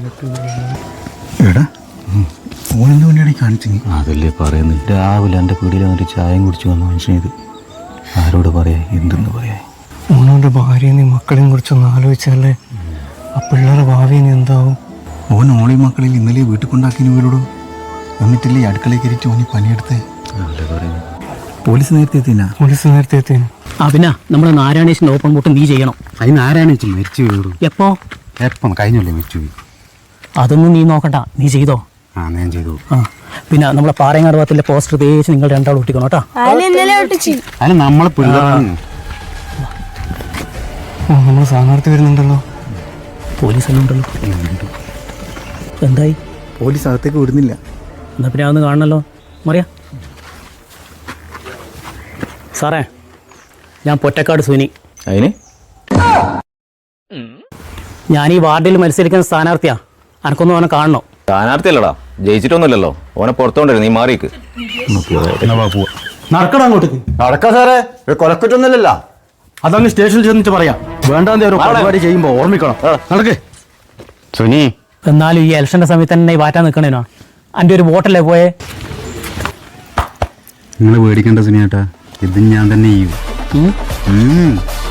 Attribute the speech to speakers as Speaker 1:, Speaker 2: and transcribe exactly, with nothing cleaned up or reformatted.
Speaker 1: എടാ ഓനെന്ത് വേണ്ടിയാണ് കാണിച്ചു?
Speaker 2: അതല്ലേ പറയുന്നത്, രാവിലെ എൻ്റെ പീടിയിൽ വന്നിട്ട് ചായയും കുടിച്ച് വന്ന മനുഷ്യനിത്. ആരോട് പറയാ, എന്തെന്ന് പറയാ?
Speaker 3: ഓനോൻ്റെ ഭാര്യനെയും മക്കളെയും കുറിച്ചൊന്ന് ആലോചിച്ചാലേ ആ പിള്ളേരുടെ ഭാവിനെ എന്താവും?
Speaker 1: ഓൻ ഓളി മക്കളിൽ ഇന്നലെ വീട്ടിൽ കൊണ്ടാക്കിന് ഇവരോട് എന്നിട്ടില്ലേ അടുക്കളയിൽ കയറിയിട്ട് ഓനി പണിയെടുത്തേ. പോലീസ് നേരത്തെ എത്തിനാ?
Speaker 3: പോലീസ് നേരത്തെ എത്തിയാണ്.
Speaker 4: ആ പിന്നെ നമ്മുടെ നാരായണേശിൻ്റെ ഓപ്പൺ ബോട്ട് നീ ചെയ്യണം.
Speaker 2: അതിന് നാരായണേച്ചി മരിച്ചു വീടും.
Speaker 4: എപ്പോ?
Speaker 2: എപ്പം കഴിഞ്ഞല്ലേ മരിച്ചു പോയി.
Speaker 4: അതൊന്നും നീ നോക്കണ്ട, നീ ചെയ്തോ.
Speaker 2: ആ ഞാൻ ചെയ്തു.
Speaker 4: ആ പിന്നെ നമ്മളെ പാറയങ്ങാട് ഭാഗത്തിലെ പോസ്റ്റർ തേച്ച് നിങ്ങൾ രണ്ടാളും ഒട്ടിക്കണം കേട്ടോ.
Speaker 2: അതിന് നമ്മളെ പിള്ളേരാണ്.
Speaker 3: ഓ നമ്മൾ സ്ഥാനാർത്ഥി വരുന്നുണ്ടല്ലോ.
Speaker 4: പോലീസ് എല്ലാം ഉണ്ടല്ലോ. എന്തായി?
Speaker 1: പോലീസ് അകത്തേക്ക് വിടുന്നില്ല.
Speaker 4: എന്നാ പിന്നെ അതൊന്ന് കാണണല്ലോ. മറിയാ സാറേ, ഞാൻ പൊറ്റക്കാട് സുനി.
Speaker 2: അതിന്
Speaker 4: ഞാൻ ഈ വാർഡിൽ മത്സരിക്കുന്ന സ്ഥാനാർത്ഥിയാ. എനക്കൊന്നും അവനെ കാണണോ?
Speaker 5: സ്ഥാനാർത്ഥിയല്ലടാ, ജയിച്ചിട്ടൊന്നുമില്ലല്ലോ. ഓനെ പുറത്തോണ്ടേ, നീ മാറിക്ക്.
Speaker 2: നടക്കണം അങ്ങോട്ടേക്ക്.
Speaker 5: നടക്കാ സാറേ, കൊലക്കുറ്റൊന്നുമില്ലല്ലോ.
Speaker 2: അതങ്ങ് സ്റ്റേഷനിൽ ചെന്നിട്ട് പറയാം. വേണ്ടാന്ന് ഒരു പരിപാടി ചെയ്യുമ്പോൾ ഓർമ്മിക്കണം. നടക്കേ സുനി.
Speaker 4: എന്നാലും ഈ ഇലക്ഷൻ്റെ സമയത്ത് തന്നെ ഈ വാറ്റാൻ നിൽക്കണേനോ? എൻ്റെ ഒരു വോട്ടല്ലേ പോയേ?
Speaker 2: നിങ്ങൾ പേടിക്കേണ്ട സുനിയേട്ടാ, ഇത് ഞാൻ തന്നെ ചെയ്യും.